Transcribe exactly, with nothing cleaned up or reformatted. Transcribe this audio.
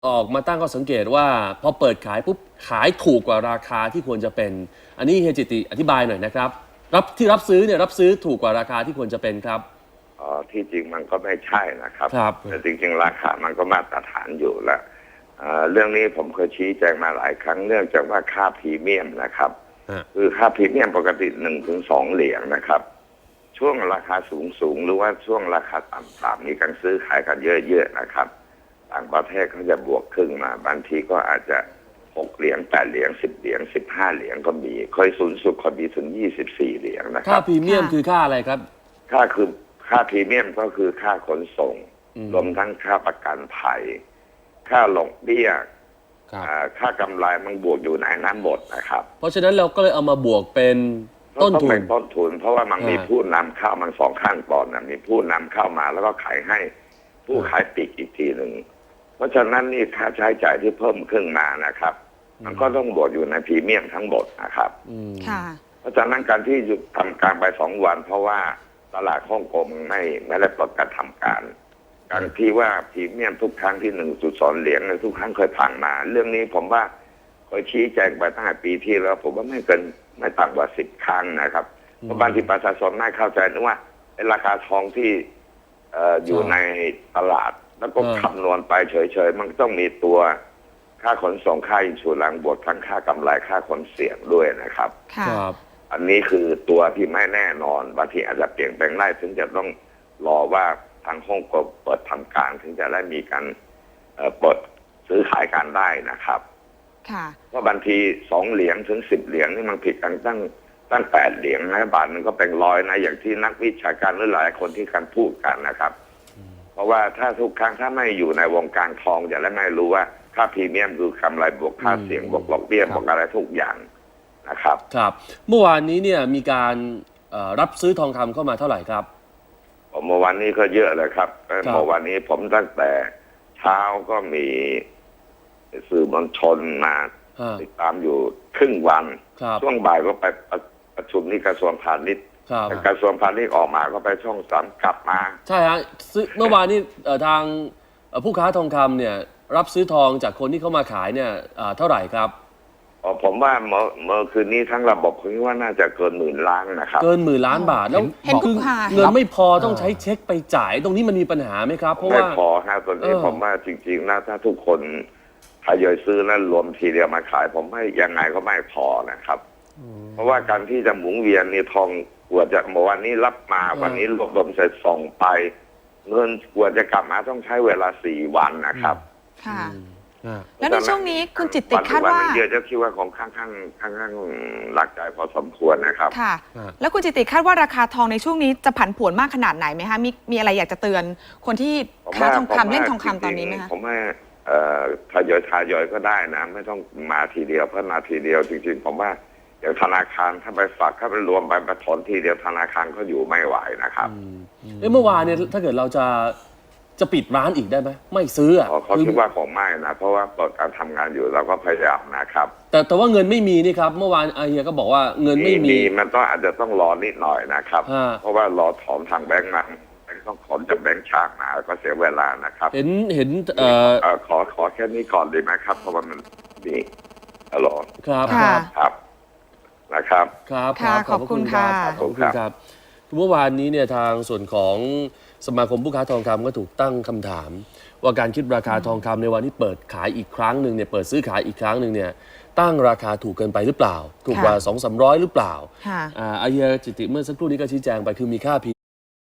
ออกมาตั้งข้อสังเกตว่าพอเปิดขายปุ๊บขายถูกกว่าราคาที่ควรจะเป็น อันนี้เฮียจิติอธิบายหน่อยนะครับรับที่รับซื้อเนี่ยรับซื้อถูกกว่าราคาที่ควรจะเป็นครับอ๋อที่จริงมันก็ไม่ใช่นะครับครับแต่จริงๆราคามันก็มาตรฐานอยู่แล้วเรื่องนี้ผมเคยชี้แจงมาหลายครั้งเนื่องจากว่าค่าพรีเมียมนะครับคือค่าพรีเมียมปกติหนึ่งถึงสองเหรียญนะครับช่วงราคาสูงสูงหรือว่าช่วงราคาต่ำๆมีการซื้อขายกันเยอะๆนะครับต่างประเทศเขาจะบวกครึ่งมาบางทีก็อาจจะหกเหรียญแปดเหรียญสิบเหรียญสิบห้าเหรียญก็มีเคยสูงสุดก็มีถึงยี่สิบสี่เหรียญนะครับค่าพรีเมียมคือค่าอะไรครับค่าคือค่าพรีเมียมก็คือค่าขนส่งรวมทั้งค่าประกันภัยค่าลงเบี้ยค่ากำไรมันบวกอยู่ในนั้นหมดนะครับเพราะฉะนั้นเราก็เลยเอามาบวกเป็นต้นทุนต้นทุนเพราะว่ามันมีผู้นำเข้ามันสองขั้นตอนนะมีผู้นำเข้ามาแล้วก็ขายให้ผู้ขายปลีกอีกทีหนึ่งเพราะฉะนั้นนี่ค่าใช้จ่ายที่เพิ่มขึ้นมานะครับมันก็ต้องบวกอยู่ในพรีเมียมทั้งหมดนะครับเพราะฉะนั้นการที่หยุดทำการไปสองวันเพราะว่าตลาดฮ่องกงไม่ไม่ได้ประกาศทำการการที่ว่าพรีเมียมทุกครั้งที่หนึ่งจุดสองเหรียญทุกครั้งเคยผ่านมาเรื่องนี้ผมว่าเคยชี้แจงไปตั้งแต่ปีที่แล้วผมว่าไม่เกินไม่ต่ำกว่าสิบครั้งนะครับเพราะบางทีประชาชนไม่เข้าใจนึกว่าราคาทองที่อยู่ในตลาดแล้วก็คำนวณไปเฉยๆมันต้องมีตัวค่าขนส่งค่าอินชูรันบวกทั้งค่ากำไรค่าขนเสี่ยงด้วยนะครับอันนี้คือตัวที่ไม่แน่นอนบางทีอาจจะเปลี่ยนแปลงได้ถึงจะต้องรอว่าทางฮ่องกงเปิดทำการถึงจะได้มีการเปิดซื้อขายการได้นะครับเพราะบางทีสองเหรียญถึงสิบเหรียญนี่มันผิดกันตั้งตั้งแปดเหรียญนะบาทนึงก็เป็นร้อยนะอย่างที่นักวิชาการหรือหลายคนที่การพูดกันนะครับเพราะว่าถ้าทุกครั้งถ้าไม่อยู่ในวงการทองจะได้ไม่รู้ว่าค่าพรีเมียมคือกำไรบวกค่าเสี่ยงบวกดอกเบี้ยบวกอะไรทุกอย่างนะครับครับเมื่อวานนี้เนี่ยมีการรับซื้อทองคำเข้ามาเท่าไหร่ครับเมื่อวานนี้ก็เยอะเลยครับเมื่อวานนี้ผมตั้งแต่เช้าก็มีสื่อมวลชนมาติดตามอยู่ครึ่งวันช่วงบ่ายก็ไปประชุมที่กระทรวงพาณิชย์กระทรวงพาณิชย์ออกมาก็ไปช่องสามกลับมาใช่ฮะเมื่อวานนี้ทางผู้ค้าทองคำเนี่ยรับซื้อทองจากคนที่เข้ามาขายเนี่ยเท่าไหร่ครับอ๋อผมว่าเมื่อเมื่อคืนนี้ทั้งระบบคิดว่าน่าจะเกินหมื่นล้านนะครับเกินหมื่นล้านบาทแล้วคือเงินไม่พอต้องใช้เช็คไปจ่ายตรงนี้มันมีปัญหาไหมครับเพราะว่าไม่พอฮะตอนนี้ผมว่าจริงๆนะถ้าทุกคนทยอยซื้อแล้วรวมทีเดียวมาขายผมให้ยังไงก็ไม่พอนะครับเพราะว่าการที่จะหมุนเวียนนี่ทองกว่าจะเมื่อวันนี้รับมาวันนี้รวบรวมเสร็จส่งไปเงินกว่าจะกลับมาต้องใช้เวลาสี่วันนะครับค่ะแล้วในช่วงนี้คุณจิตติคาดว่าเยอะจะคิดว่าของข้างข้างข้างข้างหลักใจพอสมควรนะครับค่ะแล้วคุณจิตติคาดว่าราคาทองในช่วงนี้จะผันผวนมากขนาดไหนไหมคะมีมีอะไรอยากจะเตือนคนที่ค้าทองคำเล่นทองคำตอนนี้ไหมคะผมว่าทยอยทยอยก็ได้นะไม่ต้องมาทีเดียวเพราะมาทีเดียวจริงๆผมว่าอย่างธนาคารถ้าไปฝากถ้าไปรวมไปมาถอนทีเดียวธนาคารก็อยู่ไม่ไหวนะครับเมื่อวานเนี่ยถ้าเกิดเราจะจะปิดร้านอีกได้ไหมไม่ซื้ออ่ะเขาคิดว่าคงไม่นะเพราะว่าเปิดการทำงานอยู่เราก็พยายามนะครับแต่แต่ว่าเงินไม่มีนี่ครับเมื่อวานอาเฮียก็บอกว่าเงินไม่มีมันต้องอาจจะต้องรอนิดหน่อยนะครับเพราะว่ารอถอนทางแบงก์มาต้องถอนจากแบงก์ชาติมาก็เสียเวลานะครับเห็นเห็นเอ่อขอขอแค่นี้ก่อนดีไหมครับเพราะว่ามันมีฮัลโหลครับครับนะครับครับขอบคุณค่ะขอบคุณครับเมื่อวานนี้เนี่ยทางส่วนของสมาคมผู้ค้าทองคำก็ถูกตั้งคำถามว่าการคิดราคาทองคำในวันที่เปิดขายอีกครั้งหนึ่งเนี่ยเปิดซื้อขายอีกครั้งหนึ่งเนี่ยตั้งราคาถูกเกินไปหรือเปล่าถูกกว่าสองสามร้อยหรือเปล่าอาเฮียจิติเมื่อสักครู่นี้ก็ชี้แจงไปคือมีค่า